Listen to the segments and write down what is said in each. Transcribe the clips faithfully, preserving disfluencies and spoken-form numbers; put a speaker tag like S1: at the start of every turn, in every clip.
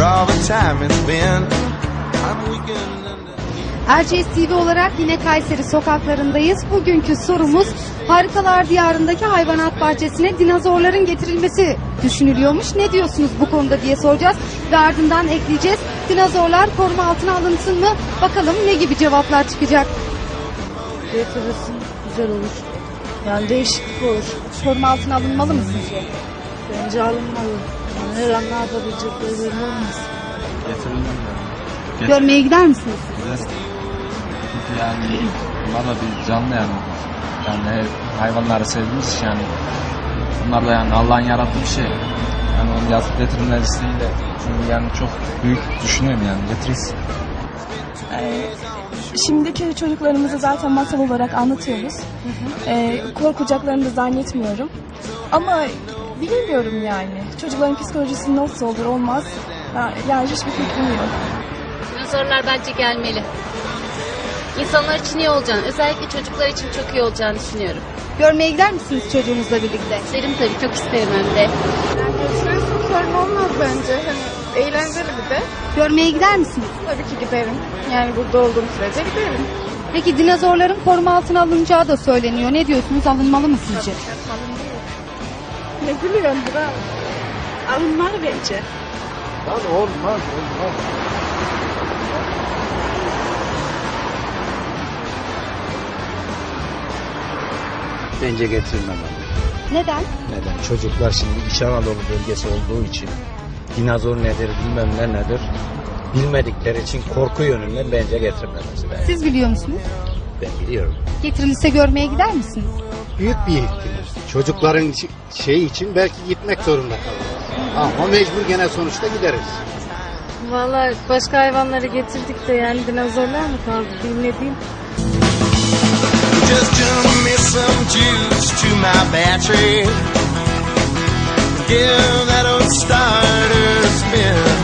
S1: all the time it's been. I'm weakened.
S2: Erciyes T V olarak yine Kayseri sokaklarındayız. Bugünkü sorumuz Harikalar Diyarı'ndaki hayvanat bahçesine dinozorların getirilmesi düşünülüyormuş. Ne diyorsunuz bu konuda diye soracağız ve ardından ekleyeceğiz. Dinozorlar koruma altına alınsın mı? Bakalım ne gibi cevaplar çıkacak.
S3: Getirirsin, güzel olur. Yani değişiklik olur.
S2: Koruma altına alınmalı mı sizce?
S3: Bence alınmalı. Yani her an ne yapabilecekleri belli olmaz.
S4: Getirilmem yani.
S2: Görmeye gider misiniz?
S4: Güzel. Çünkü yani bunlar da bir canlı yani. Yani hayvanları sevdiğimiz için yani. Bunlar da yani Allah'ın yarattığı bir şey. Yani onu yazıp getirilmesiyle çünkü yani çok büyük düşünüyorum yani getirirsin.
S5: Ee, şimdiki çocuklarımızı zaten masal olarak anlatıyoruz. Hı hı. Ee, korkacaklarını da zannetmiyorum. Ama bilmiyorum yani. Çocukların psikolojisi nasıl olur olmaz. Yani hiçbir fikrim yok.
S6: Dinozorlar bence gelmeli. İnsanlar için iyi olacağını, özellikle çocuklar için çok iyi olacağını düşünüyorum.
S2: Görmeye gider misiniz çocuğunuzla birlikte?
S6: İsterim tabii, çok isterim hem de.
S7: Yani götürürsün sorun olmaz bence. Hani eğlenceli bir de.
S2: Görmeye gider misiniz?
S7: Tabii ki giderim. Yani burada olduğum sürece giderim.
S2: Peki dinozorların koruma altına alınacağı da söyleniyor. Ne diyorsunuz? Alınmalı mı sizce?
S7: Ne gülüyorsun Burak?
S3: Alınmalı bence.
S8: Lan olmaz, olmaz. Bence getirilmemeli.
S2: Neden?
S8: Neden? Çocuklar şimdi İç Anadolu bölgesi olduğu için dinozor nedir, bilmem ne nedir bilmedikleri için korku yönünden bence getirilmemesi lazım.
S2: Siz biliyor musunuz?
S8: Ben biliyorum.
S2: Getirilirse görmeye gider misiniz?
S8: Büyük bir ihtimal. Çocukların şey için belki gitmek zorunda kalırız. Ama mecbur gene sonuçta gideriz.
S3: Vallahi başka hayvanları getirdik de yani dinozorlar mı kaldı bilmediğim.
S1: Just turn me some juice to my battery. Give that old starter spin.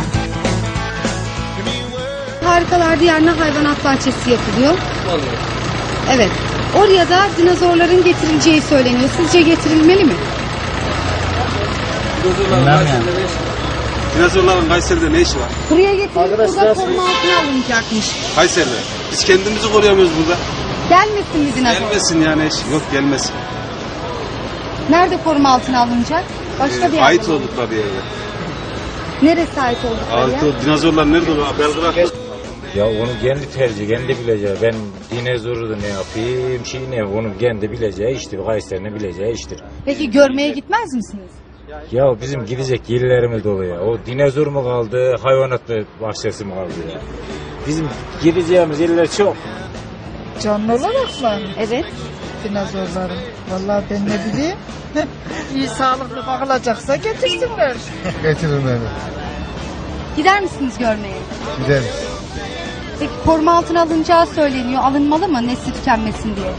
S2: Harikalar Diyarı'na hayvanat bahçesi yapılıyor. Evet. Oraya da dinozorların getirileceği söyleniyor. Sizce getirilmeli mi?
S4: Bilmem yani.
S9: Dinozorların Kayseri'de ne işi var?
S2: Buraya getirilip burada koruma altına alınacakmış.
S9: Kayseri'de. Biz kendimizi koruyamıyoruz burada.
S2: Gelmesin mi dinozor?
S9: Gelmesin yani eş. Yok gelmesin.
S2: Nerede koruma altına alınacak? Başka bir
S9: Ee,
S2: yerde.
S9: ait oldukları yerde.
S2: Neresi ait oldukları
S9: Ait
S2: yer?
S9: ol, dinozorlar nerede oluyor? Belgrad.
S10: Ya onu kendi tercih, kendi bileceği. Ben dinozoru da ne yapayım, şey ne, onu kendi bileceği iştir. Kayseri'nin bileceği iştir.
S2: Peki görmeye gitmez misiniz?
S10: Ya bizim gidecek yerlerimiz dolu ya. O dinozor mu kaldı, hayvanat bahçesi mi kaldı ya? Bizim gideceğimiz yerler çok.
S3: Canlı olarak mı?
S2: Evet.
S3: Dinozorların. Vallahi ben ne bileyim. İyi sağlıklı bakılacaksa getirsinler.
S8: Getirilmeli.
S2: Gider misiniz görmeye?
S8: Gideriz.
S2: Peki koruma altına alınacağı söyleniyor. Alınmalı mı nesli tükenmesin diye?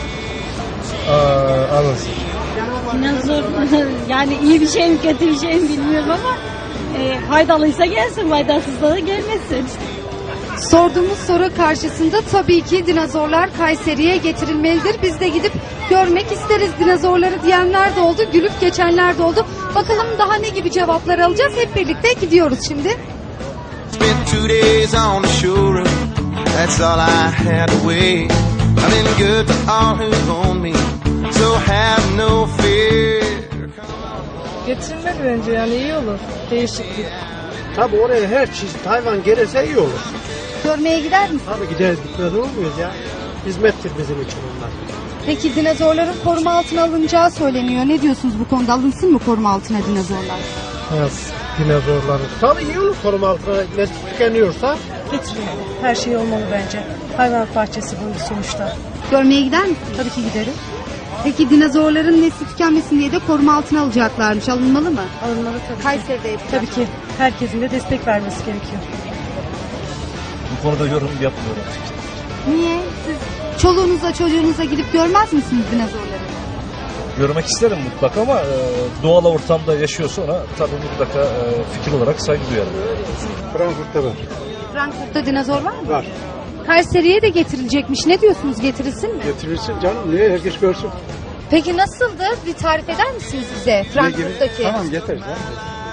S8: Aa, alınsın.
S11: Dinozor yani iyi bir şey mi kötü bir şey mi bilmiyorum ama e, faydalıysa gelsin, faydasızsa da gelmesin.
S2: Sorduğumuz soru karşısında tabii ki dinozorlar Kayseri'ye getirilmelidir. Biz de gidip görmek isteriz dinozorları diyenler de oldu, gülüp geçenler de oldu. Bakalım daha ne gibi cevaplar alacağız. Hep birlikte gidiyoruz şimdi.
S1: Spent two days on the shore. That's all I had to wait. I've been good to all who own me, so have no fear.
S3: Getirilmeli bence yani iyi olur. Değişiklik.
S8: Tabii oraya her çeşit hayvan gelirse iyi olur.
S2: Görmeye gider misiniz?
S8: Tabii gideriz, gitmez olur muyuz ya? Hizmettir bizim için onlar.
S2: Peki dinozorların koruma altına alınacağı söyleniyor. Ne diyorsunuz bu konuda? Alınsın mı koruma altına dinozorlar?
S8: Evet, dinozorları. Tabii iyi olur koruma altına nesli tükeniyorsa.
S3: Getirilmeli. Her şey olmalı bence. Hayvanat bahçesi bu sonuçta.
S2: Görmeye gider misiniz?
S3: Tabii ki giderim.
S2: Peki dinozorların nesli tükenmesin diye de koruma altına alacaklarmış. Alınmalı mı?
S3: Alınmalı tabii.
S2: Kayseri'de yapacak.
S3: Tabii ki herkesin de destek vermesi gerekiyor.
S4: Bu konuda yorum yapmıyorum.
S2: Niye? Siz çoluğunuzla çocuğunuza gidip görmez misiniz dinozorları?
S12: Görmek isterim mutlaka ama e, doğal ortamda yaşıyorsa ona tabii mutlaka e, fikir olarak saygı duyarım.
S8: Frankfurt'ta var.
S2: Frankfurt'ta dinozor var mı?
S8: Var.
S2: Kayseri'ye de getirilecekmiş. Ne diyorsunuz? Getirilsin mi?
S8: Getirirsin canım. Niye? Herkes görsün.
S2: Peki nasıldı? Bir tarif eder misiniz bize Frankfurt'taki?
S8: Tamam getir.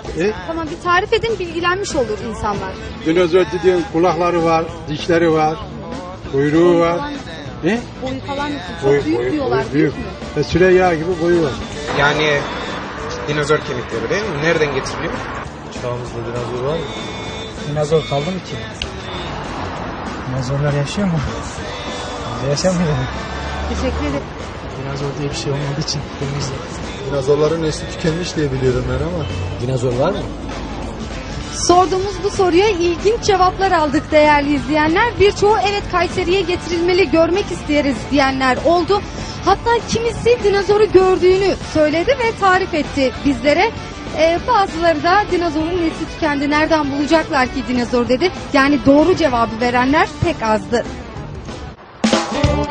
S13: E?
S2: Tamam, bir tarif edin, bilgilenmiş olur insanlar.
S13: Dinozor dediğin kulakları var, dişleri var, kuyruğu var. E?
S2: Boyu falan nasıl? Çok
S13: Boyu-
S2: büyük
S13: boyu-
S2: diyorlar.
S13: boyu
S2: Büyük
S13: büyük.
S2: mü?
S13: E, Süreyya gibi boyu var.
S14: Yani dinozor kemikleri değil mi? Nereden getiriliyor?
S12: Çağımızda dinozor var mı?
S15: Dinozor kaldı mı ki? Dinozorlar yaşıyor mu? Biz yaşamıyor mu?
S2: Teşekkür ederim.
S15: Dinozor diye bir şey olmadığı için günümüzde.
S13: Dinozorların nesli tükenmiş diye biliyorum ben ama.
S15: Dinozor var mı?
S2: Sorduğumuz bu soruya ilginç cevaplar aldık değerli izleyenler. Birçoğu evet Kayseri'ye getirilmeli, görmek isteriz diyenler oldu. Hatta kimisi dinozoru gördüğünü söyledi ve tarif etti bizlere. Ee, bazıları da dinozorun nesli tükendi, nereden bulacaklar ki dinozor dedi. Yani doğru cevabı verenler pek azdı.